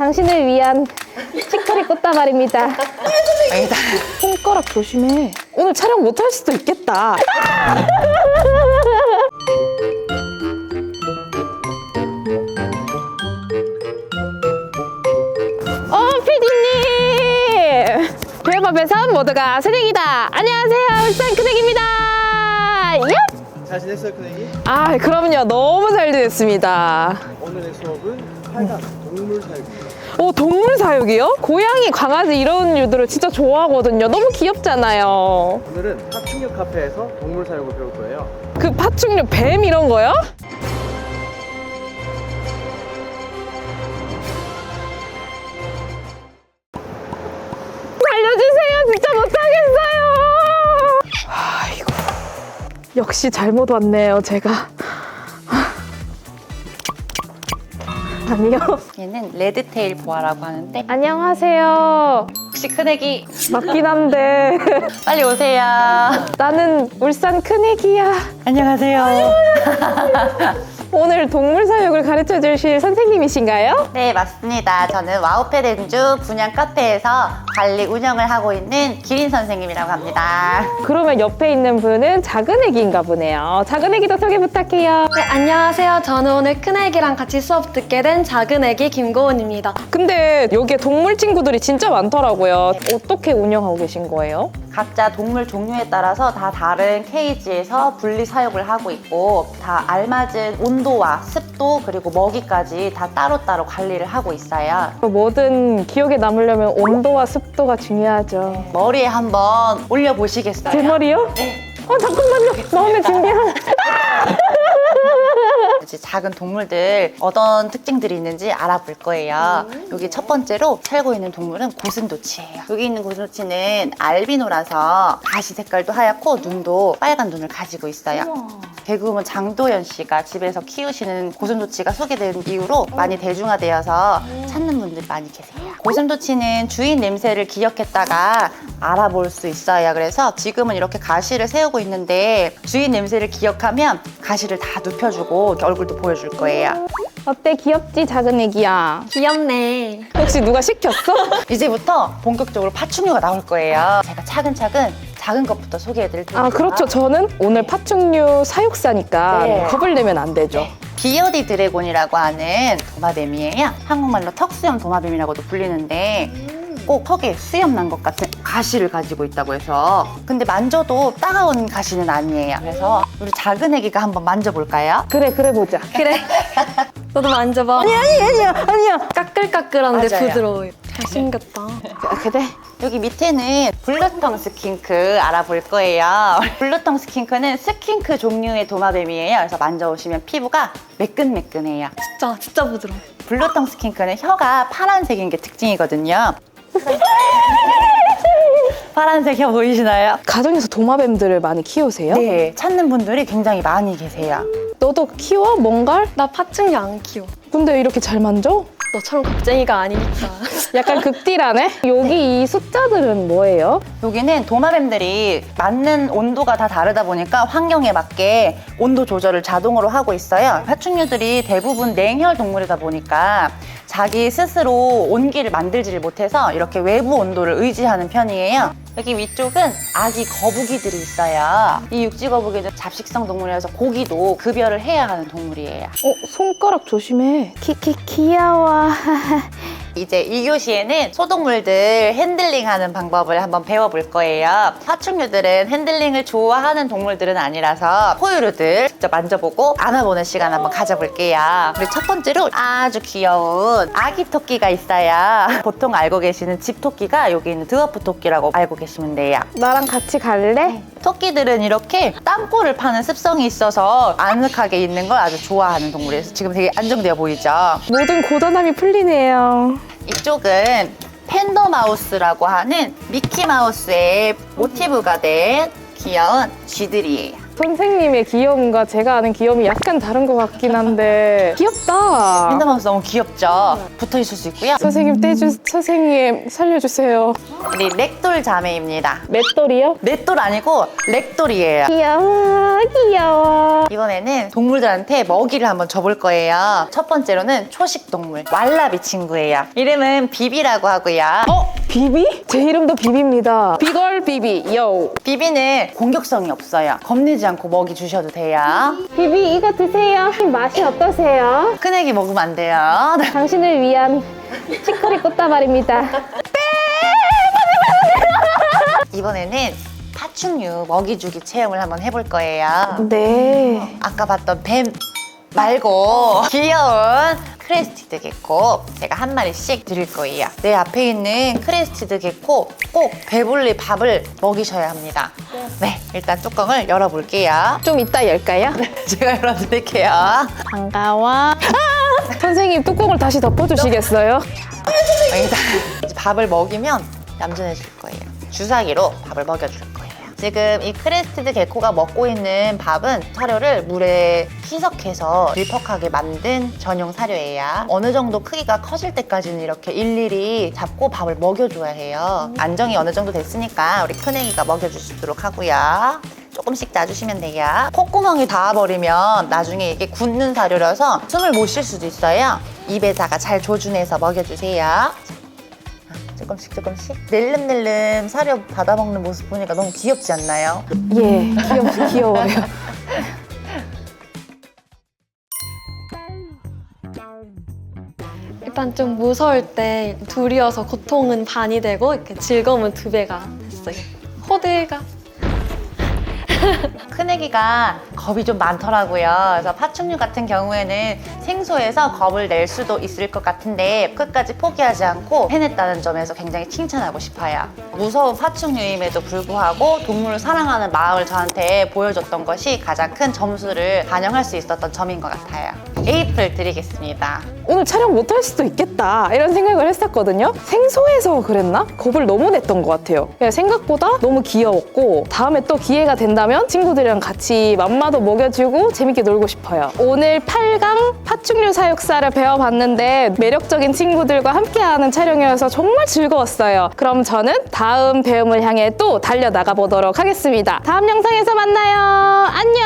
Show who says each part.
Speaker 1: 당신을 위한 치커리 꽃다발입니다.
Speaker 2: 아니다.
Speaker 1: 손가락 조심해. 오늘 촬영 못 할 수도 있겠다. 피디님! 별밥에선 모두가 새내기다. 안녕하세요, 울산 큰애기입니다. 얍!
Speaker 3: 잘 지냈어요, 큰애기?
Speaker 1: 아, 그럼요. 너무 잘 지냈습니다.
Speaker 3: 오늘의 수업은 8강 동물 사육입니다.
Speaker 1: 오, 동물 사육이요? 고양이, 강아지 이런 류들을 진짜 좋아하거든요. 너무 귀엽잖아요.
Speaker 3: 오늘은 파충류 카페에서 동물 사육을 배울 거예요.
Speaker 1: 그 파충류, 뱀 이런 거요? 알려주세요. 진짜 못하겠어요. 아이고, 역시 잘못 왔네요, 제가. 아니요.
Speaker 2: 얘는 레드테일 보아라고 하는데
Speaker 1: 안녕하세요.
Speaker 2: 혹시 큰애기
Speaker 1: 맞긴 한데
Speaker 2: 빨리 오세요.
Speaker 1: 나는 울산 큰애기야.
Speaker 2: 안녕하세요.
Speaker 1: 오늘 동물 사육을 가르쳐 주실 선생님이신가요?
Speaker 2: 네, 맞습니다. 저는 와우패드주 분양 카페에서 관리 운영을 하고 있는 기린 선생님이라고 합니다.
Speaker 1: 그러면 옆에 있는 분은 작은 애기인가 보네요. 작은 애기도 소개 부탁해요.
Speaker 4: 네, 안녕하세요. 저는 오늘 큰애기랑 같이 수업 듣게 된 작은애기 김고은입니다.
Speaker 1: 근데 여기에 동물 친구들이 진짜 많더라고요. 어떻게 운영하고 계신 거예요?
Speaker 2: 각자 동물 종류에 따라서 다 다른 케이지에서 분리 사육을 하고 있고 다 알맞은 온도와 습도 그리고 먹이까지 다 따로따로 관리를 하고 있어요.
Speaker 1: 뭐든 기억에 남으려면 온도와 습도가 중요하죠.
Speaker 2: 머리에 한번 올려보시겠어요?
Speaker 1: 제 머리요? 잠깐만요. 마음의 준비한.
Speaker 2: 이제 작은 동물들 어떤 특징들이 있는지 알아볼 거예요. 여기 첫 번째로 살고 있는 동물은 고슴도치예요. 여기 있는 고슴도치는 알비노라서 가시 색깔도 하얗고 눈도 빨간 눈을 가지고 있어요. 개그우먼 장도연 씨가 집에서 키우시는 고슴도치가 소개된 이후로 많이 대중화되어서 찾는 분들이 많이 계세요. 고슴도치는 주인 냄새를 기억했다가 알아볼 수 있어요. 그래서 지금은 이렇게 가시를 세우고 있는데 주인 냄새를 기억하면 가시를 다 눕혀주고 이렇게 얼굴도 보여줄 거예요.
Speaker 1: 어때, 귀엽지, 작은 애기야?
Speaker 4: 귀엽네.
Speaker 1: 혹시 누가 시켰어?
Speaker 2: 이제부터 본격적으로 파충류가 나올 거예요. 제가 차근차근 작은 것부터 소개해드릴게요.
Speaker 1: 아, 그렇죠. 저는 오늘 파충류 사육사니까
Speaker 2: 네.
Speaker 1: 겁을 내면 안 되죠.
Speaker 2: 비어디 드래곤이라고 하는 도마뱀이에요. 한국말로 턱수염 도마뱀이라고도 불리는데 꼭 턱에 수염 난 것 같은 가시를 가지고 있다고 해서 근데 만져도 따가운 가시는 아니에요. 그래서 우리 작은 애기가 한번 만져볼까요?
Speaker 1: 그래 보자.
Speaker 4: 그래. 너도 만져봐.
Speaker 1: 아니야.
Speaker 4: 까끌까끌한데
Speaker 2: 맞아요.
Speaker 4: 부드러워요. 잘생겼다.
Speaker 1: 그래.
Speaker 2: 여기 밑에는 블루텅 스킨크 알아볼 거예요. 블루텅 스킨크는 스킨크 종류의 도마뱀이에요. 그래서 만져보시면 피부가 매끈매끈해요.
Speaker 4: 진짜 부드러워.
Speaker 2: 블루텅 스킨크는 혀가 파란색인 게 특징이거든요. 파란색 혀 보이시나요?
Speaker 1: 가정에서 도마뱀들을 많이 키우세요?
Speaker 2: 네, 찾는 분들이 굉장히 많이 계세요.
Speaker 1: 너도 키워? 뭔가를?
Speaker 4: 나 파충류 안 키워.
Speaker 1: 근데 이렇게 잘 만져?
Speaker 4: 너처럼 겁쟁이가 아니니까.
Speaker 1: 약간 극딜하네? 여기 이 숫자들은 뭐예요?
Speaker 2: 여기는 도마뱀들이 맞는 온도가 다 다르다 보니까 환경에 맞게 온도 조절을 자동으로 하고 있어요. 파충류들이 대부분 냉혈 동물이다 보니까 자기 스스로 온기를 만들지를 못해서 이렇게 외부 온도를 의지하는 편이에요. 여기 위쪽은 아기 거북이들이 있어요. 이 육지 거북이는 잡식성 동물이라서 고기도 급여를 해야 하는 동물이에요.
Speaker 1: 손가락 조심해. 귀여워.
Speaker 2: 이제 2교시에는 소동물들 핸들링하는 방법을 한번 배워볼 거예요. 파충류들은 핸들링을 좋아하는 동물들은 아니라서 포유류들 직접 만져보고 안아보는 시간 한번 가져볼게요. 그리고 첫 번째로 아주 귀여운 아기 토끼가 있어요. 보통 알고 계시는 집 토끼가 여기 있는 드워프 토끼라고 알고 계시면 돼요.
Speaker 1: 나랑 같이 갈래?
Speaker 2: 토끼들은 이렇게 땀꼬를 파는 습성이 있어서 아늑하게 있는 걸 아주 좋아하는 동물이에요. 지금 되게 안정되어 보이죠?
Speaker 1: 모든 고단함이 풀리네요.
Speaker 2: 이쪽은 팬더마우스라고 하는 미키마우스의 모티브가 된 귀여운 쥐들이에요.
Speaker 1: 선생님의 귀여움과 제가 아는 귀여움이 약간 다른 것 같긴 한데 귀엽다.
Speaker 2: 팬더마우스 너무 귀엽죠? 붙어 있을 수 있고요.
Speaker 1: 선생님 살려주세요.
Speaker 2: 우리 렉돌 자매입니다.
Speaker 1: 맷돌이요?
Speaker 2: 넷돌 아니고 렉돌이에요.
Speaker 1: 귀여워 귀여워.
Speaker 2: 이번에는 동물들한테 먹이를 한번 줘볼 거예요. 첫 번째로는 초식 동물 왈라비 친구예요. 이름은 비비라고 하고요.
Speaker 1: 비비? 제 이름도 비비입니다. 비걸 비비 요.
Speaker 2: 비비는 공격성이 없어요. 겁내지 않고 먹이 주셔도 돼요.
Speaker 1: 비비 이거 드세요. 맛이 어떠세요?
Speaker 2: 큰 애기 먹으면 안 돼요.
Speaker 1: 당신을 위한 치커리 꽃다발입니다.
Speaker 2: 이번에는 파충류 먹이 주기 체험을 한번 해볼 거예요.
Speaker 1: 네.
Speaker 2: 아까 봤던 뱀 말고 귀여운 크레스티드 개코 제가 한 마리씩 드릴 거예요. 내 앞에 있는 크레스티드 개코 꼭 배불리 밥을 먹이셔야 합니다. 네, 일단 뚜껑을 열어볼게요.
Speaker 1: 좀 이따 열까요?
Speaker 2: 제가 열어드릴게요.
Speaker 1: 반가워. 선생님 뚜껑을 다시 덮어주시겠어요?
Speaker 2: 일단 이제 밥을 먹이면 얌전해질 거예요. 주사기로 밥을 먹여줄 거예요. 지금 이 크레스티드 개코가 먹고 있는 밥은 사료를 물에 희석해서 질퍽하게 만든 전용 사료예요. 어느 정도 크기가 커질 때까지는 이렇게 일일이 잡고 밥을 먹여줘야 해요. 안정이 어느 정도 됐으니까 우리 큰애기가 먹여주시도록 하고요. 조금씩 놔주시면 돼요. 콧구멍이 닿아버리면 나중에 이게 굳는 사료라서 숨을 못 쉴 수도 있어요. 입에다가 잘 조준해서 먹여주세요. 조금씩 낼름낼름 사료 받아먹는 모습 보니까 너무 귀엽지 않나요?
Speaker 1: 예, 귀여워요.
Speaker 4: 일단 좀 무서울 때 둘이어서 고통은 반이 되고 이렇게 즐거움은 2배가 됐어요. 호들갑.
Speaker 2: 큰애기가 겁이 좀 많더라고요. 그래서 파충류 같은 경우에는 생소해서 겁을 낼 수도 있을 것 같은데 끝까지 포기하지 않고 해냈다는 점에서 굉장히 칭찬하고 싶어요. 무서운 파충류임에도 불구하고 동물을 사랑하는 마음을 저한테 보여줬던 것이 가장 큰 점수를 반영할 수 있었던 점인 것 같아요. 에이플 드리겠습니다.
Speaker 1: 오늘 촬영 못할 수도 있겠다 이런 생각을 했었거든요. 생소해서 그랬나? 겁을 너무 냈던 것 같아요. 그냥 생각보다 너무 귀여웠고 다음에 또 기회가 된다면 친구들이랑 같이 맘마도 먹여주고 재밌게 놀고 싶어요. 오늘 8강 파충류 사육사를 배워봤는데 매력적인 친구들과 함께하는 촬영이어서 정말 즐거웠어요. 그럼 저는 다음 배움을 향해 또 달려나가 보도록 하겠습니다. 다음 영상에서 만나요. 안녕!